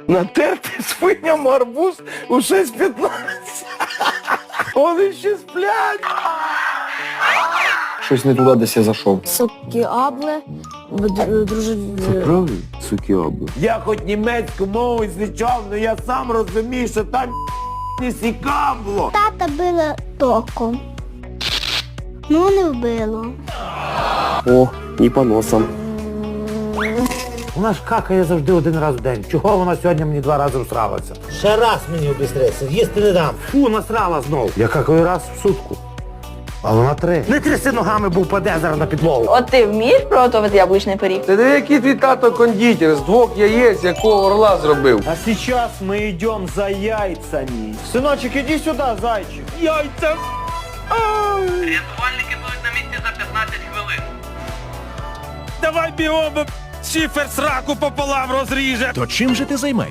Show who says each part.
Speaker 1: Натерти свиням арбуз у 6:15. Вони ще сплять.
Speaker 2: Щось не туди десь я зайшов.
Speaker 3: Сокіабле, друже...
Speaker 2: Правильно? Сукіабле.
Speaker 1: Я хоч німецьку мову звичав, але я сам розумію, що там не сікабло.
Speaker 4: Тата била током. Ну, не вбило.
Speaker 2: О, і по носам.
Speaker 5: Вона ж какає завжди один раз в день. Чого вона сьогодні мені 2 рази всралася? Ще раз мені обістрися, їсти не дам. Фу, насрала знов. Я какаю раз в сутку. А вона 3. Не тряси ногами, бо впаде зараз на підлогу.
Speaker 6: От ти вмієш приготувати яблучний пиріг?
Speaker 2: Ти який твій тато кондитер з 2 яєць, якого орла зробив?
Speaker 1: А сейчас мы идем за яйцами. Сыночек, иди сюда, зайчик. Яйца!
Speaker 7: Рятувальники будуть на місці за 15 хвилин.
Speaker 1: Давай бігом, шифер сраку пополам розріже.
Speaker 8: То чим же ти займаєшся?